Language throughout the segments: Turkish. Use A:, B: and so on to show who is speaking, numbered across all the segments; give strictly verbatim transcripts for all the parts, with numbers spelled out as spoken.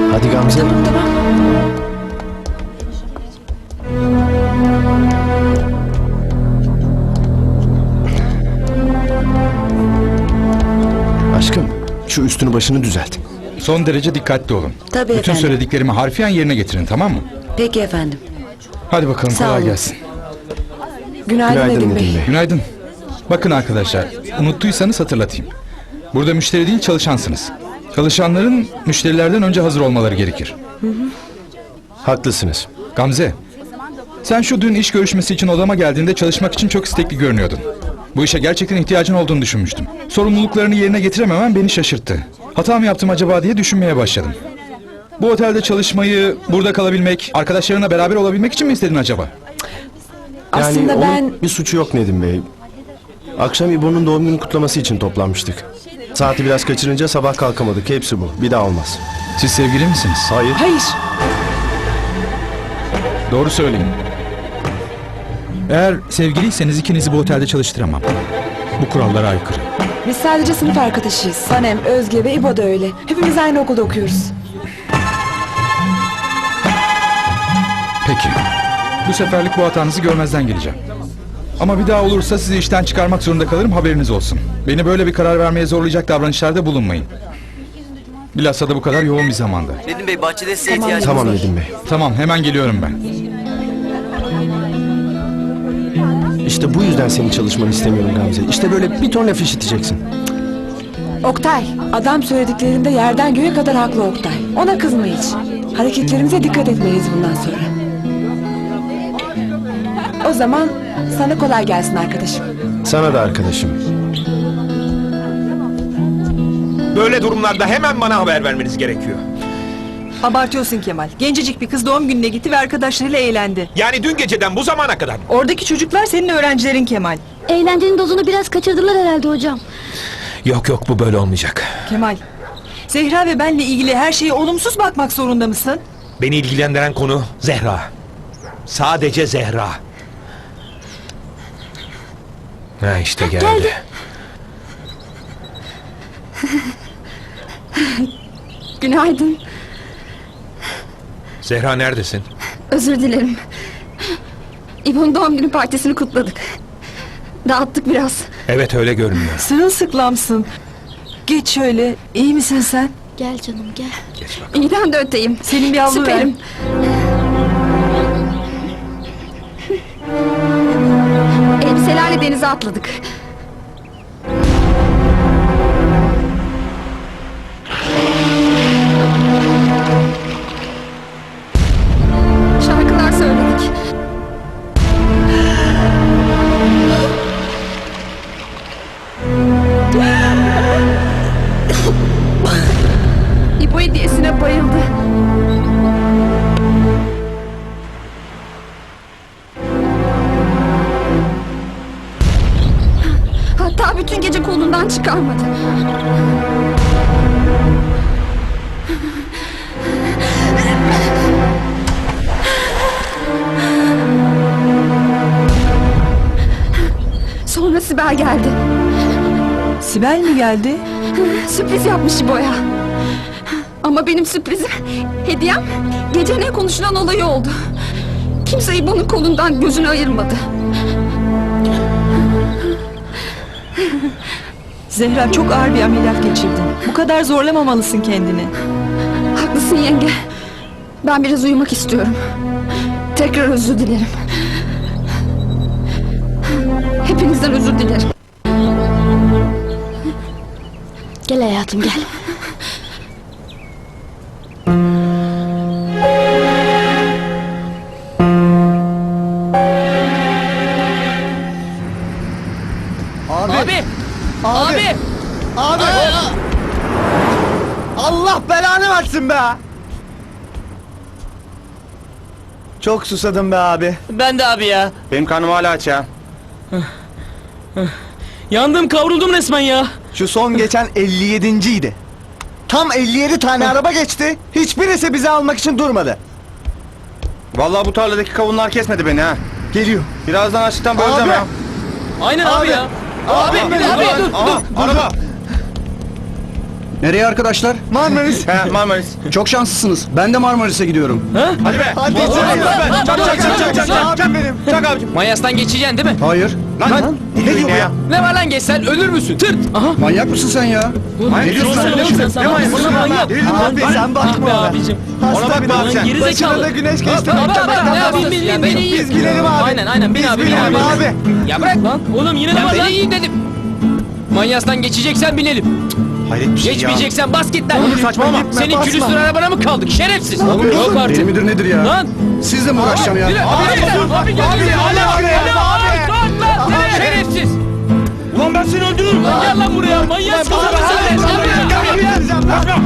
A: Hadi Gamze.
B: Tamam tamam.
A: Aşkım, şu üstünü başını düzelt.
C: Son derece dikkatli olun.
B: Tabii
C: Bütün
B: efendim.
C: söylediklerimi harfiyen yerine getirin, tamam mı?
B: Peki efendim.
C: Hadi bakalım,
B: Sağ
C: kolay
B: olun.
C: gelsin.
B: Günaydın,
A: Günaydın
B: Nedim
A: Nedim
B: Bey.
A: Bey.
C: Günaydın. Bakın arkadaşlar, unuttuysanız hatırlatayım. Burada müşteri değil, çalışansınız. Çalışanların müşterilerden önce hazır olmaları gerekir.
A: Haklısınız.
C: Gamze, sen şu dün iş görüşmesi için odama geldiğinde çalışmak için çok istekli görünüyordun. Bu işe gerçekten ihtiyacın olduğunu düşünmüştüm. Sorumluluklarını yerine getirememen beni şaşırttı. Hata mı yaptım acaba diye düşünmeye başladım. Bu otelde çalışmayı, burada kalabilmek, arkadaşlarına beraber olabilmek için mi istedin acaba?
A: Yani
B: Aslında
A: onun
B: ben...
A: bir suçu yok Nedim Bey. Akşam İbo'nun doğum günü kutlaması için toplanmıştık. Saati biraz kaçırınca sabah kalkamadık. Hepsi bu. Bir daha olmaz.
C: Siz sevgili misiniz?
A: Hayır.
B: Hayır.
C: Doğru söyleyin. Eğer sevgiliyseniz ikinizi bu otelde çalıştıramam. Bu kurallara aykırı.
B: Biz sadece sınıf arkadaşıyız. Sanem, Özge ve İbo da öyle. Hepimiz aynı okulda okuyoruz.
C: Peki. Bu seferlik bu hatanızı görmezden geleceğim. Ama bir daha olursa sizi işten çıkarmak zorunda kalırım, haberiniz olsun. Beni böyle bir karar vermeye zorlayacak davranışlarda bulunmayın. Bilhassa da bu kadar yoğun bir zamanda.
D: Nedim Bey, bahçede size
B: Tamam.
D: ihtiyacımız
A: Tamam
D: var.
A: Nedim Bey.
C: Tamam, hemen geliyorum ben.
A: İşte bu yüzden senin çalışmanı istemiyorum Gamze. İşte böyle bir ton laf işiteceksin.
B: Oktay, adam söylediklerinde yerden göğe kadar haklı Oktay. Ona kızma hiç. Hareketlerimize dikkat etmeliyiz bundan sonra. O zaman sana kolay gelsin arkadaşım.
A: Sana da arkadaşım.
E: Böyle durumlarda hemen bana haber vermeniz gerekiyor.
F: Abartıyorsun Kemal. Gencecik bir kız doğum gününe gitti ve arkadaşlarıyla eğlendi.
E: Yani dün geceden bu zamana kadar.
F: Oradaki çocuklar senin öğrencilerin Kemal.
G: Eğlencenin dozunu biraz kaçırdılar herhalde hocam.
E: Yok yok, bu böyle olmayacak.
F: Kemal, Zehra ve benle ilgili her şeye olumsuz bakmak zorunda mısın?
E: Beni ilgilendiren konu Zehra. Sadece Zehra. Ha işte geldi.
G: geldi. Günaydın.
E: Zehra neredesin?
G: Özür dilerim. İbo'nun doğum günü partisini kutladık. Dağıttık biraz.
E: Evet, öyle görünüyor.
F: Sırılsıklamsın. Geç şöyle. İyi misin sen?
G: Gel canım gel.
E: Geç bakalım.
G: İyiden de öteyim.
F: Senin bir havlu ver.
G: Süperim. Elbiselerle denize atladık. Şarkılar söyledik. İbo hediyesine bayıldı. Hatta bütün gece kolundan çıkarmadı. Sonra Sibel geldi.
F: Sibel mi geldi?
G: Sürpriz yapmış İbo'ya. Ama benim sürprizim, hediyem gece ne konuşulan olayı oldu. Kimse İbo'nun kolundan gözünü ayırmadı.
F: Zehra, çok ağır bir ameliyat geçirdin. Bu kadar zorlamamalısın kendini.
G: Haklısın yenge. Ben biraz uyumak istiyorum. Tekrar özür dilerim. Hepinizden özür dilerim. Gel hayatım gel.
H: Abi! Abi! Abi! Allah belanı versin be! Çok susadım be abi.
I: Ben de abi ya.
H: Benim karnım hala aç ya.
I: Yandım, kavruldum resmen ya.
H: Şu son geçen elli yedinciydi. Tam elli yedi tane araba geçti. Hiçbirisi bizi almak için durmadı.
J: Vallahi bu tarladaki kavunlar kesmedi beni ha.
H: Geliyor.
J: Birazdan açlıktan böleceğim
H: Abi.
J: ya.
I: Aynen abi,
H: Abi.
I: ya. Abi,
H: Abi,
I: abi,
H: abi,
I: dur,
J: Aha,
I: dur, dur.
J: araba.
H: Nereye arkadaşlar? Marmaris.
J: He Marmaris.
H: Çok şanslısınız. Ben de Marmaris'e gidiyorum.
J: Hadi be. Hadi. Çak çak çak çak çak çak. Çak benim. Çak abicim.
I: Manyastan geçeceksin değil mi?
H: Hayır.
J: Lan. Ne diyor ya?
I: Ne var lan geçsen ölür müsün? Tırt. Aha.
H: Manyak mısın sen ya?
J: Ne diyorsun sen? Ne manyak?
I: manyak.
H: Abi sen bakma.
I: Be abicim.
J: Ona bakma abi sen.
I: Geri zekalı.
H: güneş geçti.
I: Baba baba ne yapayım bin bin bin iyi.
H: Biz binelim abi.
I: Aynen aynen bin
H: Biz
I: abi bin
H: binelim
I: abi.
H: abi.
I: Ya bırak lan. Oğlum yine de var lan. iyi dedim. Manyastan geçeceksen binelim.
J: Hayret bir şey ya.
I: Geçmeyeceksen bas git lan.
J: Oğlum saçmalama.
I: Senin külüstür arabana mı kaldık şerefsiz?
H: Oğlum,
I: Yok artık.
H: Deli midir nedir ya?
I: Lan.
H: Sizle mi uğraşacağım ya?
I: Abi, abi, abi, abi, gel, gel,
J: abi,
I: gel,
J: abi,
I: gel,
J: abi.
I: kalk lan, seni şerefsiz.
J: Ulan ben seni öldürürüm.
I: Lan gel lan buraya, manyaksın lan sen. Gel buraya.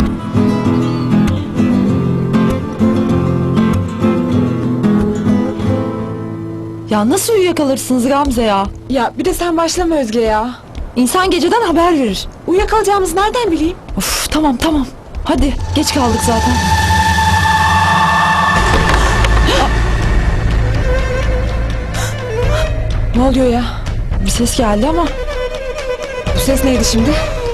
B: Ya nasıl uyuyakalırsınız Gamze ya? Ya bir de sen başlama Özge ya. İnsan geceden haber verir. Uyuyakalacağımızı nereden bileyim? Of tamam tamam. Hadi geç kaldık zaten. Ne oluyor ya? Bir ses geldi ama. Bu ses neydi şimdi?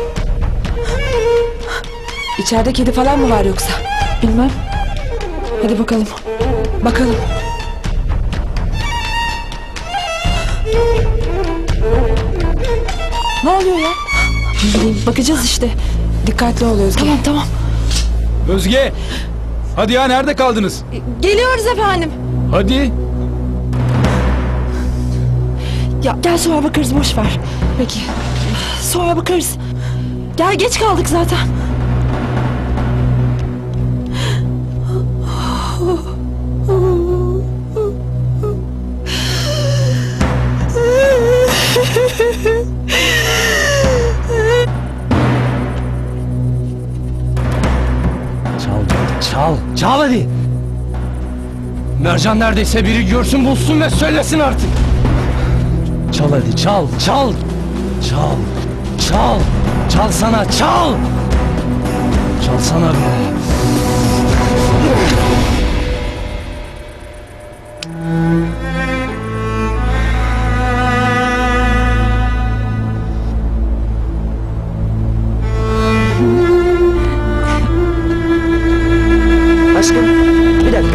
B: İçeride kedi falan mı var yoksa? Bilmem. Hadi bakalım. Bakalım. Ne oluyor ya? Ne bileyim, bakacağız işte. Dikkatli ol Özge. Tamam tamam.
C: Özge! Hadi ya nerede kaldınız?
B: Geliyoruz efendim.
C: Hadi.
B: Ya gel sonra bakarız boş ver. Peki. Sonra bakarız. Gel geç kaldık zaten.
I: Çal, çal, çal hadi. Mercan neredeyse biri görsün bulsun ve söylesin artık. Çal hadi, çal, çal. Çal, çal, çal sana, çal. Çal sana be.
D: Aşkım bir dakika.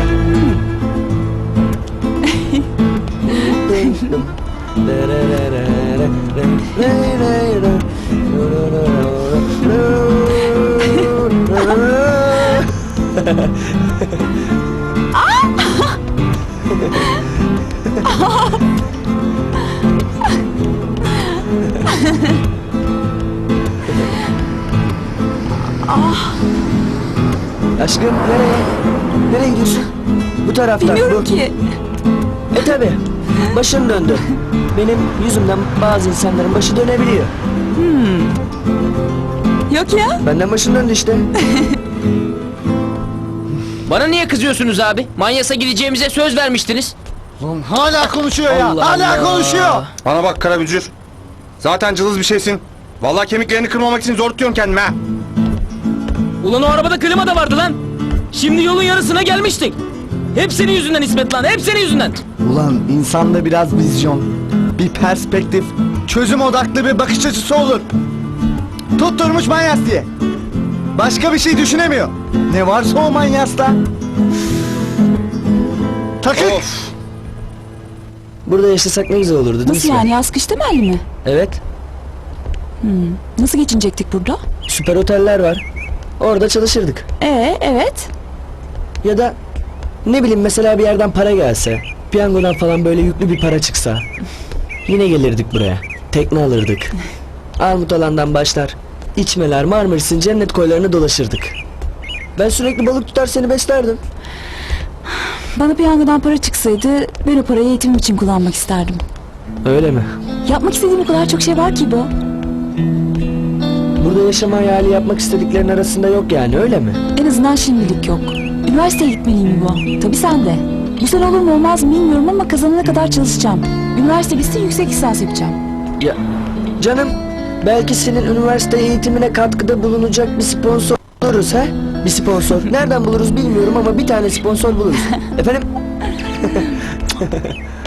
D: Aşkım nereye? Nereye gidiyorsun? Bu taraftan.
B: Bilmiyorum
D: bu.
B: ki.
D: E tabi. Başın döndü. Benim yüzümden bazı insanların başı dönebiliyor.
B: Yok ya.
D: Benden başın döndü işte.
I: Bana niye kızıyorsunuz abi? Manyas'a gideceğimize söz vermiştiniz.
H: Oğlum hala konuşuyor ya.
I: Allah
H: hala
I: Allah.
H: konuşuyor.
J: Bana bak Karabücür. Zaten cılız bir şeysin. Vallahi kemiklerini kırmamak için zor tutuyorum kendime ha.
I: Ulan o arabada klima da vardı lan. Şimdi yolun yarısına gelmiştik. Hep senin yüzünden İsmet lan, hep senin yüzünden.
H: Ulan insanda biraz vizyon, bir perspektif, çözüm odaklı bir bakış açısı olur. Tutturmuş manyas diye. Başka bir şey düşünemiyor. Ne varsa o manyasta. Takık.
J: Of.
D: Burada yaşasak ne güzel olurdu değil mi
B: Nasıl
D: İsmet?
B: yani yaz kış temelli mi?
D: Evet.
B: Nasıl geçinecektik burada?
D: Süper oteller var. Orada çalışırdık.
B: Ee evet.
D: Ya da ne bileyim mesela bir yerden para gelse, piyangodan falan böyle yüklü bir para çıksa. Yine gelirdik buraya. Tekne alırdık. Armut alandan başlar. İçmeler, Marmaris'in cennet koylarını dolaşırdık. Ben sürekli balık tutar seni beslerdim.
B: Bana piyangodan para çıksaydı ben o parayı eğitimim için kullanmak isterdim.
D: Öyle mi?
B: Yapmak istediğim o kadar çok şey var ki bu.
D: Burada yaşama hayali yapmak istediklerin arasında yok yani öyle mi?
B: En azından şimdilik yok. Üniversiteye gitmeliyim bu. Tabii sen de. Bu sene olur mu olmaz mı bilmiyorum ama kazanana kadar çalışacağım. Üniversite bitsin yüksek lisans yapacağım.
D: Ya canım belki senin üniversite eğitimine katkıda bulunacak bir sponsor buluruz ha? Bir sponsor. Nereden buluruz bilmiyorum ama bir tane sponsor buluruz. Efendim?